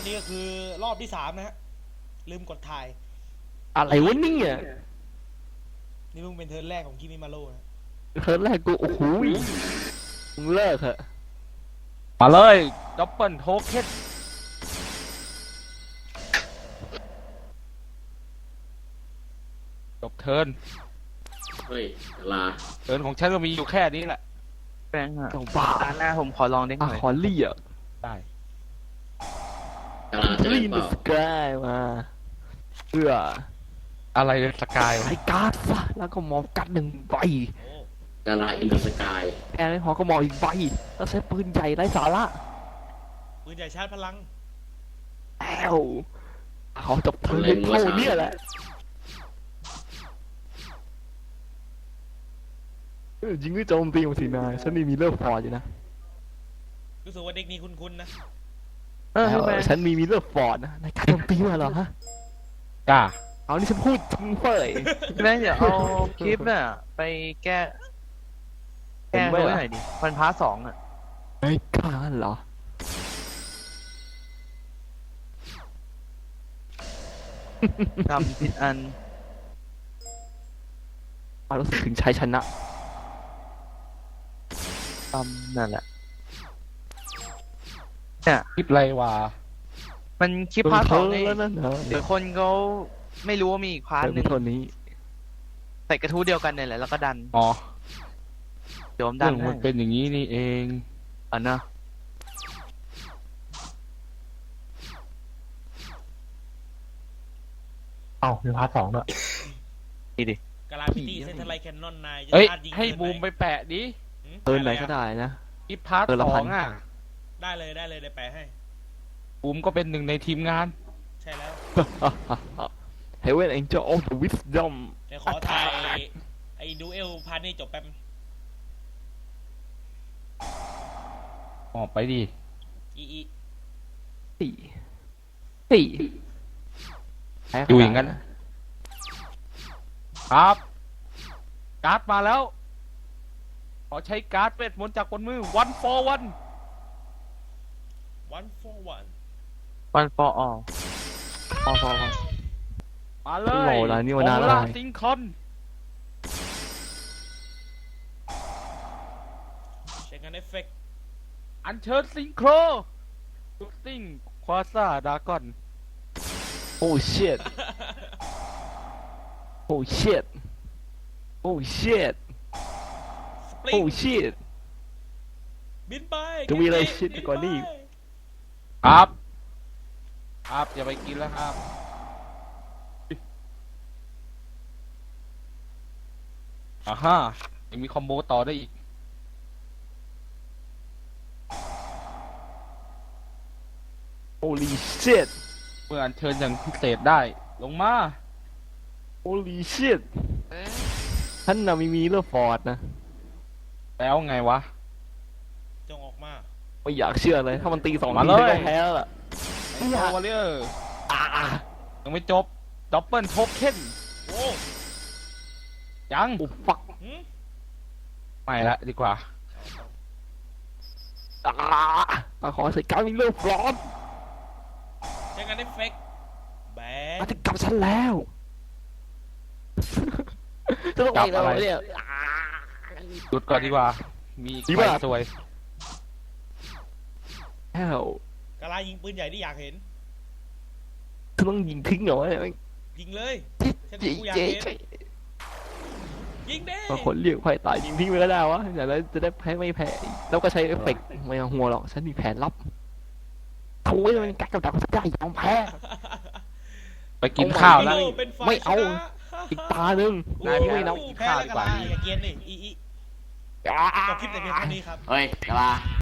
นี่ก็คือรอบที่3นะฮะลืมกดถ่ายอะไรวะเนี่ยนี่เพิ่งเป็นเทิร์นแรกของคิมิมาโร่นะเทิร์นแรกกูโอ้โหมึงเลิกเถอะมาเลยดับเบิลโทเค็นจบเทิร์นเฮ้ยลาเทิร์นของฉันก็มีอยู่แค่นี้แหละแป้งอะต้องบ้าหน้าผมขอลองเด้งหน่อยขอเลี่ยได้กาลาจะเล่นลีนเปล่าสกายมาเพื่ออะไรสกายไอ้การ์ดซะแล้วก็มองกัดหนึ่งใบกาลาอินเดอะสกายแค่ไม่พอก็มองอีกใบแล้วใช้ปืนใหญ่ไร้สาระปืนใหญ่ชาร์จพลังแล้วเขาจบเทิร์นเท่านี้แหละยิงก็โจมตีของสีนายฉันนี่มีเลิฟฟอร์ดอยู่นะรู้สึกว่าเด็กนี้คุ้นๆนะฉันมีมิลเลอร์ฟอร์ดนะในการโจมตีมาเหรอฮะจ้าเอานี่ฉันพูดจริงเฟ้ยแม่งเดี๋ยวเอาคลิปน่ะไปแก้ไว้หน่อยดิมันพาร์ท 2อ่ะไอ้ข้าเหรอทำผิดอันรู้สึกถึงชัยชนะนั่นแหละเนี่ยคลิปอะไรวะมันคลิปพาร์ท 2นี่แล้วนั่นเหรอเดี๋ยวคนเขาไม่รู้ว่ามีอีกพาร์ทนึงนี้ใส่กระทู้เดียวกันเนี่ยแหละแล้วก็ดันอ๋อโจมดันมันเป็นอย่างนี้นี่เองนะมีพาร์ท 2ด้วยนี่ดิกาลาพิตี้เซนทรัลไลท์แคนนอนนายเฮ้ยให้บูมไปแปะดิเทิร์นไหนก็ได้นะคลิปพาร์ท 2อ่ะได้เลยได้แปะให้บูมก็เป็นหนึ่งในทีมงานใช่แล้ว Heaven Angel of the Wisdom เดี๋ยวขอถ่ายไอ้ดูเอลพาร์ทนี้จบแป๊บออกไปดิสี่อยู่อย่างนั้นครับการ์ดมาแล้วขอใช้การ์ดเวทมนต์จากบนมือ one for one one for one one for all มาเลยโอลาซิงคอนเช็คกันเอฟเฟกต์อัญเชิญซิงโครชุดซิงควาซ่าดากอน Oh shit Oh shit Oh shit Oh shit บินไปจะมีอะไรชิดกว่านี้ครับอย่าไปกินแล้วครับฮ่ายังมีคอมโบต่อได้อีก Holy shit เมื่ออัญเชิญอย่างพิเศษได้ลงมา Holy shit ท่านน่ะมีเลือดฟอร์ดนะแล้วไงวะจงออกมาไม่อยากเชื่อเลยถ้ามันตี2 มาทีเลยก็แพ้แล้วล่ะไอ้วอลเลอร์ยังไม่จบดับเบิลโทเค็นโอ้ยังฟักไม่ละดีกว่าขอใส่การมีเลือดฟอร์ดใช้งานเอฟเฟกต์แบนมาถึงกับฉันแล้วจะต้องไปอะไรเนี่ยหยุดก่อนดีกว่ามีอีกใบสวยแล้วกาลายิงปืนใหญ่ที่อยากเห็นจะต้องยิงทิ้งเหรอยิงเลยฉันกูอยากเห็นยิงดิบางคนเรียกไฟตายยิงทิ้งไปก็ได้วะอย่างนั้นจะได้แพ้ไม่แพ้แล้วก็ใช้เอฟเฟกต์ไม่หัวหรอกฉันมีแผนลับโถ่มันกัดกับดักสักได้ยอมแพ้ไปกินข้าวแล้วไม่เอาอีกตาหนึ่งนายไม่เอากินข้าวดีกว่าอย่าเกียนดิจบคลิปแต่เพียงเท่านี้ครับเฮ้ยกาลา